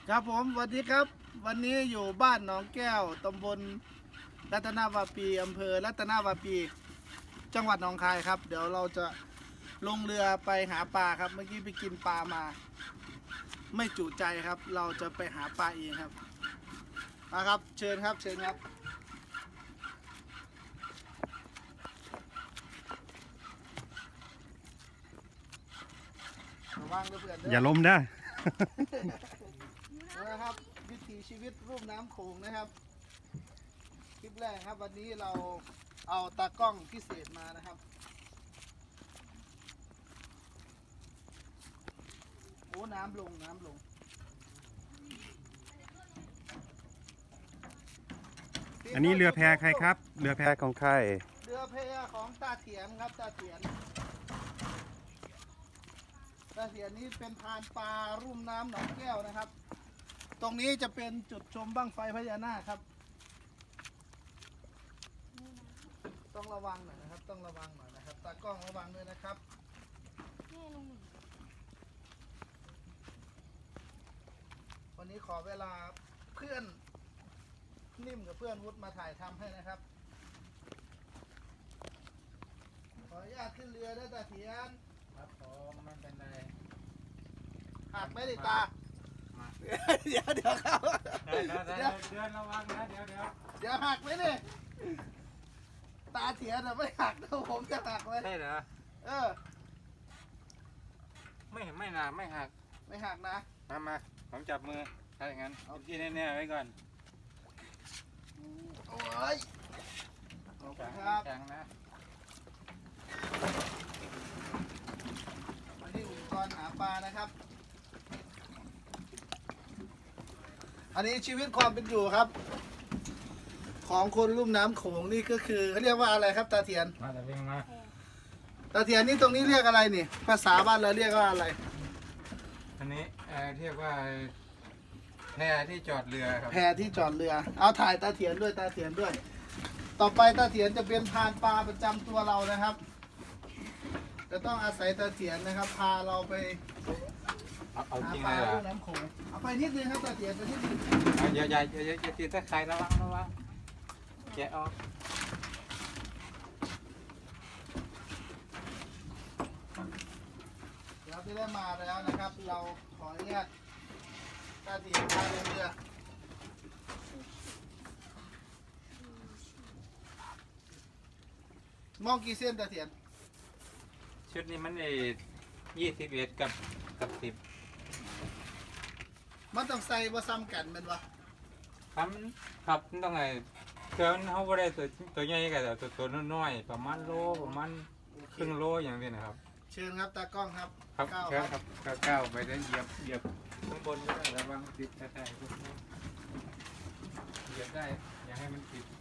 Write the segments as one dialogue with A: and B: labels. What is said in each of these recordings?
A: ครับผมสวัสดีครับวันนี้อยู่บ้านหนองแก้วตำบลรัตนาวาปีอำเภอรัตนาวาปีจังหวัดหนองคายครับเดี๋ยวเราจะลงเรือไปหาปลาครับเมื่อกี้ไปกินปลามาไม่จุใจครับเราจะไปหาปลาเองครับมาครับเชิญครับเชิญครับระวังเพื่อนๆ
B: อย่าล้มนะ
A: นะครับวิถีชีวิตรูปน้ำโขงนะครับคลิปแรกครับวันนี้เราเอาตากล้องพิเศษมานะครับโอ้น้ำลง
B: อันนี้เรือแพใครครับ เรือแพของใคร
A: เรือแพของตาเถียนครับตาเถียนนี้เป็นพานปลารุ่มน้ำหนองแก้วนะครับตรงนี้จะเป็นจุดชมบั้งไฟพญานาคครับต้องระวังหน่อยนะครับต้องระวังหน่อยนะครับตากล้องระวังด้วยนะครับวันนี้ขอเวลาเพื่อนนิ่มกับเพื่อนวุฒิมาถ่ายทำให้นะครับขออนุญาตขึ้นเรือได้ตาเถียน
C: ครับผมไม่เป็นไร
A: หักไม่ได้ตาเดี๋ยวครับ
C: เดินระวังนะเดี๋ยว
A: หักไหมเนี่ยตาเถียนไม่หักนะผมจะหักเลย
C: ใช่เหรอ ไม่หนาไม่หัก
A: ไม่หักนะ
C: มาผมจับมือถ้าอย่างนั้นเอาที่แน่ๆไว้ก่อน
A: โอ้ยขอบคุณครับ
C: แข็งนะ
A: มาที่อุปกรณ์หาปลานะครับ อันนี้ชีวิตความเป็นอยู่ครับ ของคนลุ่มน้ำโขงนี่ก็คือเขาเรียกว่าอะไรครับตาเถียน
C: มาแต่เพียงมา
A: ตาเถียนนี่ตรงนี้เรียกอะไรนี่ภาษาบ้านเราเรียกว่าอะไร
C: อันนี้เรียกว่าแพที่จอดเรือครับ
A: แพที่จอดเรือ เอาถ่ายตาเถียนด้วยตาเถียนด้วย ต่อไปตาเถียนจะเป็นพานปลาประจำตัวเรานะครับ จะต้องอาศัยตาเถียนนะครับ พาเราไป
C: เอา
A: หา
C: จริง
A: ป
C: เล
A: ลาย
C: เหรอ
A: ลูกน้ำโขงเอาไปนิดนึงครับตาเถียนไปนิดนึง
C: อย่าตีตะไคร้ระวังแกะออก
A: เราที่ได้มาแล้วนะครับ เราขออนุญาตตาเถียนพาลงเรือมองกี่เส้นตาเถียน
C: ชุดนี้มัน21กับ10
A: มันต้องใส่ว่าซ้ำกันเป็นวะ
C: ครับต้องไงเทือมันเขาไม่ได้ตัวใหญ่กับตัวน้อยๆประมาณโลประมาณครึ่งโลอย่างนี้นะครับ
A: เชิญครับตากล้องครับ
C: ครับ
A: ก้าว
C: เชิญ
A: ค
C: ค
A: รั
C: รับ บก้าวไปได้เหยียบข้างบนก็ได้ระวังติดแท้ๆพวกนี้เหยียบได้อย่าให้มันติด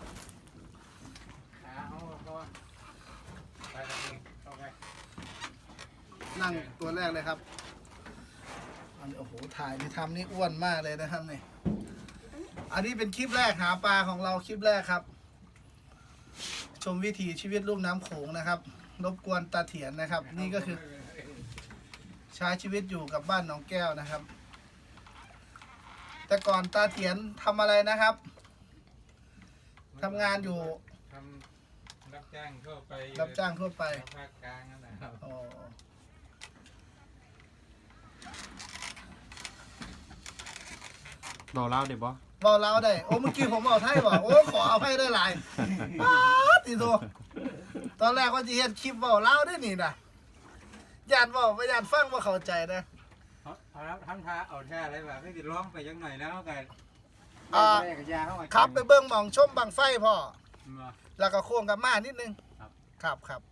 C: ขาเขาก็ไปแล้วเองเข้าไป
A: นั่งตัวแรกเลยครับอันนี้โอ้โหถ่ายที่ทำนี่อ้วนมากเลยนะครับนี่อันนี้เป็นคลิปแรกหาปลาของเราคลิปแรกครับ ชมวิถีชีวิตลุ่มน้ำโขงนะครับรบกวนตาเถียนนะครับ นี่ก็คือใช้ชีวิตอยู่กับบ้านหนองแก้วนะครับ แต่ก่อนตาเถียนทำอะไรนะครับทำงานอยู่
C: ทำรับจ้างทั่วไป
A: รับจ้างทั่วไป
C: ภาคกลางนั่นแหละครับ
A: อ๋อ
B: บอกเล่าเดี๋ยวบอ
A: บอกเราได้โอ้เมื่อกี้ผมบอกไทยบอกโอ้ขอเอาให้ได้หลายป๊าดทีโตตอนแรกว่าจะเห็นคลิปบอกเล่าได้นี่นะญาติบอกไม่ญาติฟังว่าเข้าใจนะ
C: เอาแล้วทำท่าเอาท่าอะไรแบบไม่ติดร้องไปยังหน่อยแล้วกัน
A: อ่า
C: กับยาเข้ามา
A: ครับไปเบิ้งหมองชมบังไฟพ่อ
C: มา
A: แล้วก็โค้งกับมานิดนึง
C: ครับ
A: ครับ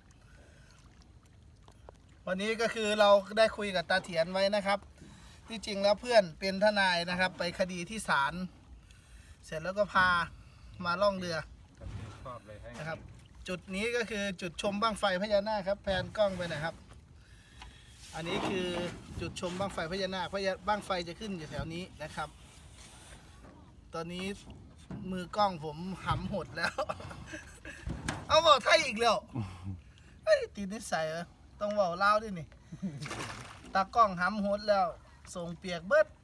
A: วันนี้ก็คือเราได้คุยกับตาเถียนไว้นะครับ ที่จริงแล้วเพื่อนเป็นทนายนะครับ ไปคดีที่ศาลเสร็จแล้วก็พามาล่องเรือ
C: ชอบเลยให้
A: นะครับ จุดนี้ก็คือจุดชมบั้งไฟพญานาคครับแพนกล้องไปหนะครับ อันนี้คือจุดชมบั้งไฟพญานาคบั้งไฟจะขึ้นอยู่แถวนี้นะครับ ตอนนี้มือกล้องผมหำหดแล้ว เอาบอกไทยอีกแล้วเฮ้ยตีนิสัยเหรอต้องบอกเล่าวด้วยนี่ ตากล้องหำหดแล้วส่งเปียกเบิด